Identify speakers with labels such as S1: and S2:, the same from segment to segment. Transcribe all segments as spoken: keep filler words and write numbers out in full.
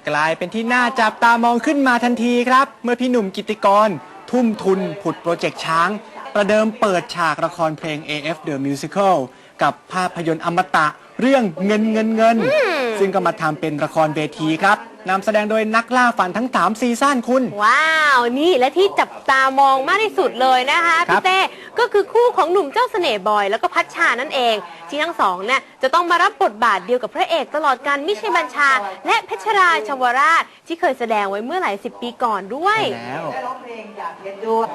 S1: กลายเป็นที่น่าจับตามองขึ้นมาทันทีครับเมื่อพี่หนุ่มกิตติกรทุ่มทุนผุดโปรเจกต์ช้างประเดิมเปิดฉากละครเพลง เอ เอฟ The Musical กับภาพยนตร์อมตะเรื่องเงินเงินเงินซึ่งก็มาทำเป็นละครเวทีครับนำแสดงโดยนักล่าฝันทั้งสามซีซั่นคุณ
S2: ว้าวนี่และที่จับตามองมากที่สุดเลยนะคะพี่เต้ก็คือคู่ของหนุ่มเจ้าเสน่ห์บอยแล้วก็พัชชานั่นเองที่ทั้งสองเนี่ยจะต้องมารับบทบาทเดียวกับพระเอกตลอดการมิชัยบัญชาและเพชรราชวราชที่เคยแสดงไว้เมื่อหลายสิบปีก่อนด้วย
S1: แล้ว
S3: ร้องเพลงอยากเรียนด้วย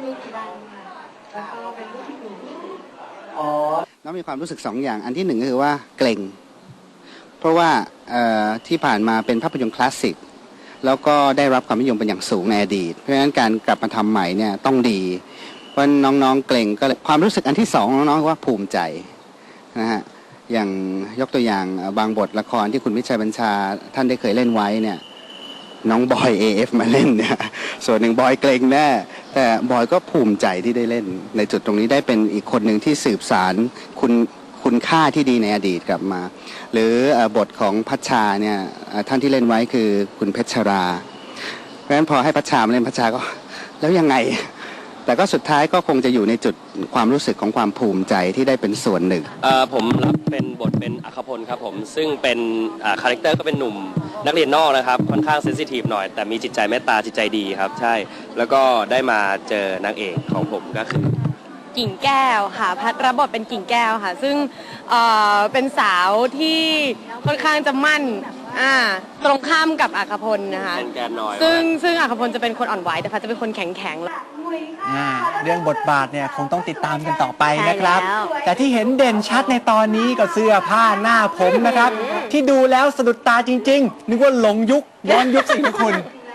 S4: อ๋อแล้วมีความรู้สึกสองอย่างอันที่หนึ่งก็คือว่าเกรงเพราะว่าที่ผ่านมาเป็นภาพยนตร์คลาสสิกแล้วก็ได้รับความนิยมเป็นอย่างสูงในอดีตเพราะฉะนั้นการกลับมาทำใหม่เนี่ยต้องดีเพราะน้องๆเกรงก็ความรู้สึกอันที่สองน้องๆว่าภูมิใจนะฮะอย่างยกตัวอย่างบางบทละครที่คุณวิชัยบัญชาท่านได้เคยเล่นไว้เนี่ยน้องบอย เอ เอฟ มาเล่นเนี่ยส่วนหนึ่งบอยเกรงแน่แต่บอยก็ภูมิใจที่ได้เล่นในจุดตรงนี้ได้เป็นอีกคนหนึ่งที่สืบสารคุณคุณค่าที่ดีในอดีตกลับมาหรือบทของพัชชาเนี่ยท่านที่เล่นไว้คือคุณเพชรราเพราะฉะนั้นพอให้พัชชามาเล่นพัชชาก็แล้วยังไงแต่ก็สุดท้ายก็คงจะอยู่ในจุดความรู้สึกของความภูมิใจที่ได้เป็นส่วนหนึ่ง
S5: ผมรับเป็นบทเป็นอัครพลครับผมซึ่งเป็นคาแรคเตอร์ก็เป็นหนุ่มนักเรียนนอกนะครับค่อนข้างเซนซิทีฟหน่อยแต่มีจิตใจเมตตาจิตใจดีครับใช่แล้วก็ได้มาเจอนางเอกของผมก็คือ
S2: กิ่งแก้วค่ะพัดรับบทเป็นกิ่งแก้วค่ะซึ่งเอ่อเป็นสาวที่ค่อนข้างจะมั่นอ่าตรงข้ามกับอัครพลนะคะซึ่งซึ่งอัครพลจะเป็นคนอ่อนไหวแต่พัดจะเป็นคนแข็งแข็ง
S1: เรื่องบทบาทเนี่ยคงต้องติดตามกันต่อไปนะครับแต่ที่เห็นเด่นชัดในตอนนี้ก็เสื้อผ้าหน้าผมนะครับที่ดูแล้วสะดุดตาจริงๆนึกว่าหลงยุคย้อนยุคสิคุณ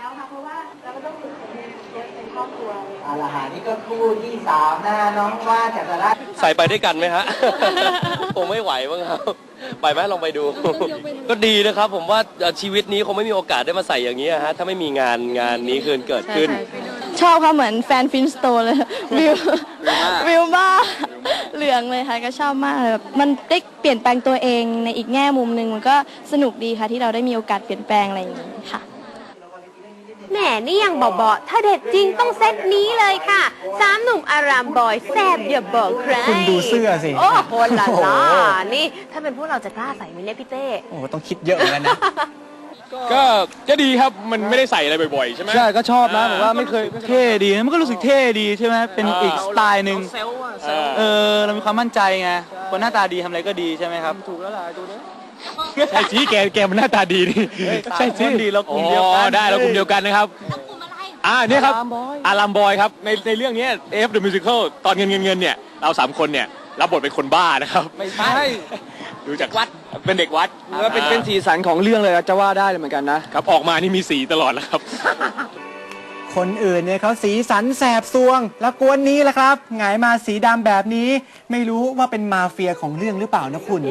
S3: อาหารนี่ก็คู่ที่สามนะน้องว่าจากราช
S5: ใส่ไปด้วยกันไหมฮะคงไม่ไหวบ้างครับไปไหมลองไปดูก็ดีนะครับผมว่าชีวิตนี้คงไม่มีโอกาสได้มาใส่อย่างนี้ฮะถ้าไม่มีงานงานนี้เกิดขึ้น
S6: ชอบค่ะเหมือนแฟนฟินสโตเลยวิววิวบ้าเหลืองเลยค่ะก็ชอบมากเลยแบบมันได้เปลี่ยนแปลงตัวเองในอีกแง่มุมหนึ่งมันก็สนุกดีค่ะที่เราได้มีโอกาสเปลี่ยนแปลงอะไรอย่างนี้ค่ะ
S2: แหมนี่ยังบอกบอกถ้าเด็ดจริงต้องเซตนี้เลยค่ะสามหนุ่มอารามบอยแซบอย่าบอกใคร
S1: คุณดูเสื้อสิ
S2: โอ้โหล่ะล่ะนี่ถ้าเป็นพวกเราจะกล้าใส่ไหมเนี่ยพี่เต้
S1: โอ้ต้องคิดเยอะเหมือนกันนะ
S7: ก็ก็ดีครับมันไม่ได้ใส่อะไรบ่อยๆใช่ไหม
S8: ใช่ก็ชอบนะผมว่าไม่เคยเท่ดีมันก็รู้สึกเท่ดีใช่ไหมเป็นอีกสไตล์หนึ่งเออเรามีความมั่นใจไงคนหน้าตาดีทำอะไรก็ดีใช่ไหมครับถูกแล้วล่ะถูกแล้ว
S7: ใช่สิแกแกมันหน้าตาดีนี่
S8: ใช่สิดีเรากลุ่มเดียวกัน
S7: ได้เรากลุ่มเดียวกันนะครับอ่านี่ครับอารามบอยครับในในเรื่องนี้ เอ เอฟ The Musical ตอนเงินเงินเงินเนี่ยเราสามคนเนี่ยรับบทเป็นคนบ้านะครับ
S8: ไม่ใช่
S7: ดูจากวัดเป็นเด็กวัด
S8: ก็เป็นเป็นสีสันของเรื่องเลยจะว่าได้เหมือนกันนะครับ
S7: ออกมานี่มีสีตลอดแล้วครับ
S1: คนอื่นเนี่ยเขาสีสันแสบซวงแล้วกวนนี้แหละครับหงายมาสีดำแบบนี้ไม่รู้ว่าเป็นมาเฟียของเรื่องหรือเปล่านะคุณ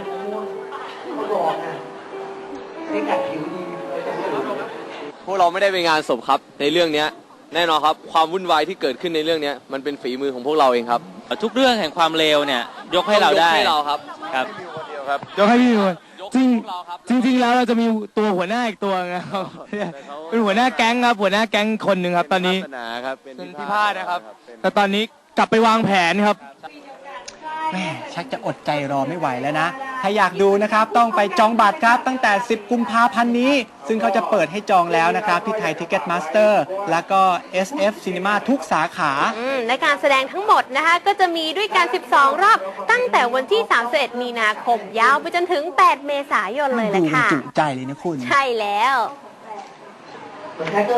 S9: พวกเราไม่ได้ไปงานศพครับในเรื่องนี้แน่นอนครับความวุ่นวายที่เกิดขึ้นในเรื่องนี้มันเป็นฝีมือของพวกเราเองครับ
S5: ทุกเรื่องแห่งความเลวเนี่ยยกให้เราได้
S9: ยกให้เราครับ
S5: ครับ
S8: ยกให้พี่คนจริงจริงจริงแล้วเราจะมีตัวหัวหน้าอีกตัวนะครับเป็นหัวหน้าแก๊งครับหัวหน้าแก๊งคนหนึ่งครับตอนนี้เป็นพี่พาดนะครับแต่ตอนนี้กลับไปวางแผนครับ
S1: แม่ชักจะอดใจรอไม่ไหวแล้วนะถ้าอยากดูนะครับต้องไปจองบัตรครับตั้งแต่สิบกุมภาพันธ์นี้ซึ่งเขาจะเปิดให้จองแล้วนะครับที่ไทยทิกเก็ตมาสเตอร์แล้วก็ เอส เอฟ Cinema ทุกสาขา
S2: ในการแสดงทั้งหมดนะคะก็จะมีด้วยกันสิบสองรอบตั้งแต่วันที่สามสิบเอ็ดมีนาคมยาวไปจนถึงแปดเมษายนเลยแหละค่ะ
S1: ดูจุใจเลยนะคุณ
S2: ใช่แล้ว